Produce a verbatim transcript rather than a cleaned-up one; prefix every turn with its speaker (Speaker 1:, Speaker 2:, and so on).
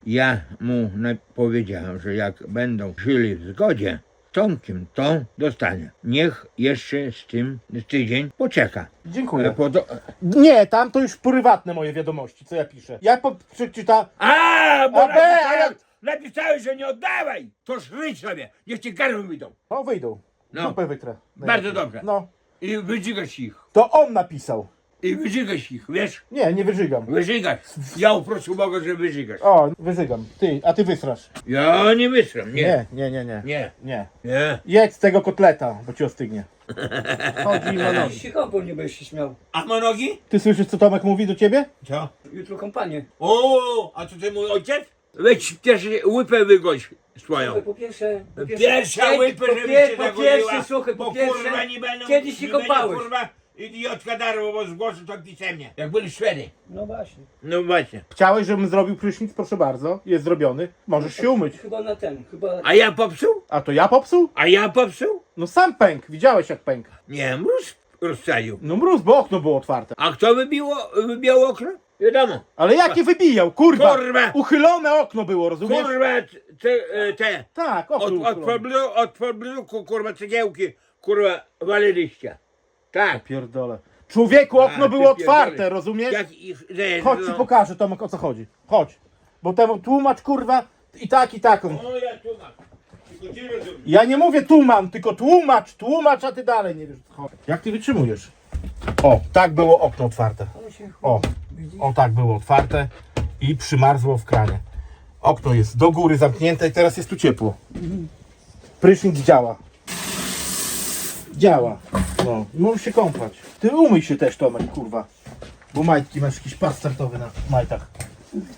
Speaker 1: Ja mu na- powiedziałem, że jak będą żyli w zgodzie z Tomkiem, to dostanie. Niech jeszcze z tym z tydzień poczeka.
Speaker 2: Dziękuję.
Speaker 1: E, po to...
Speaker 2: Nie, tam to już prywatne moje wiadomości, co ja piszę. Ja po, przeczyta...
Speaker 1: A, bo
Speaker 2: A, be,
Speaker 1: napisałeś,
Speaker 2: ale-
Speaker 1: napisałeś, że nie oddawaj! To szryć sobie, niech ci garby wyjdą.
Speaker 2: O, wyjdą.
Speaker 1: No.
Speaker 2: Dupę wytrę.
Speaker 1: Bardzo dobrze.
Speaker 2: No.
Speaker 1: I wyżygasz ich.
Speaker 2: To on napisał.
Speaker 1: I wyżygasz ich, wiesz?
Speaker 2: Nie, nie wyżygam.
Speaker 1: Wyżygasz. Ja uproszę Boga, że wyżygasz.
Speaker 2: O, wyżygam. Ty, a ty wysrasz.
Speaker 1: Ja nie wysram, nie.
Speaker 2: Nie, nie, nie, nie.
Speaker 1: Nie.
Speaker 2: Nie.
Speaker 1: Nie.
Speaker 2: Jedz tego kotleta, bo ci ostygnie. Chodzi i ma nogi.
Speaker 3: Jeśli kąpą nie będziesz się śmiał.
Speaker 1: A ma nogi?
Speaker 2: Ty słyszysz, co Tomek mówi do ciebie?
Speaker 1: Co?
Speaker 3: Jutro kompanię.
Speaker 1: O, a to ty mój ojciec? Weź też łypę wygość swoją.
Speaker 3: Słuchaj, po pierwsze... Po
Speaker 1: Pierwsza
Speaker 3: kiedy-
Speaker 1: łypę,
Speaker 3: po,
Speaker 1: żeby
Speaker 3: pier,
Speaker 1: cię
Speaker 3: po
Speaker 1: zagoniła,
Speaker 3: pierwsze, słuchaj, po
Speaker 1: bo
Speaker 3: pierwsze...
Speaker 1: kurwa nie będą...
Speaker 3: Kiedy się
Speaker 1: nie będzie,
Speaker 3: kopałeś?
Speaker 1: kurwa, idiotka darło, bo zgłoszę to pisemnie. Jak byli Szwedy.
Speaker 3: No właśnie.
Speaker 1: No właśnie.
Speaker 2: Chciałeś, żebym zrobił prysznic? Proszę bardzo. Jest zrobiony. Możesz się umyć.
Speaker 3: Chyba na ten, chyba...
Speaker 1: A ja popsuł?
Speaker 2: A to ja popsuł?
Speaker 1: A ja popsuł?
Speaker 2: No sam pęk. Widziałeś jak pęk.
Speaker 1: Nie, mróz rozstrzelił.
Speaker 2: No mróz, bo okno było otwarte.
Speaker 1: A kto wybiło, wybijał okno? Wiadomo.
Speaker 2: Ale jakie wybijał? Kurwa!
Speaker 1: Kurwa!
Speaker 2: Uchylone okno było, rozumiesz?
Speaker 1: Kurwa, te, e, te
Speaker 2: Tak,
Speaker 1: od,
Speaker 2: okno
Speaker 1: od,
Speaker 2: uchylone.
Speaker 1: poblu, od pobluku, kurwa, cegiełki, kurwa, waliliście. Tak.
Speaker 2: Pierdolę. Człowieku, okno
Speaker 1: A,
Speaker 2: było
Speaker 1: ty pierdolę.
Speaker 2: otwarte, rozumiesz?
Speaker 1: Jak ich... że-
Speaker 2: Chodź ci
Speaker 1: no.
Speaker 2: pokażę, Tomek, o co chodzi. Chodź. Bo temu tłumacz, kurwa, i tak, i tak.
Speaker 1: O, ja tu mam. Tylko ty rozumiesz.
Speaker 2: Ja nie mówię tłumam, tylko tłumacz, tłumacz, a ty dalej nie wiesz. Chodź. Jak ty wytrzymujesz? O, tak było okno otwarte.
Speaker 3: On się...
Speaker 2: O, o tak było otwarte i przymarzło w kranie. Okno jest do góry zamknięte i teraz jest tu ciepło. Prysznic działa. Działa. No, i możesz się kąpać. Ty umyj się też, Tomek, kurwa. Bo majtki masz jakiś pas startowy na majtach.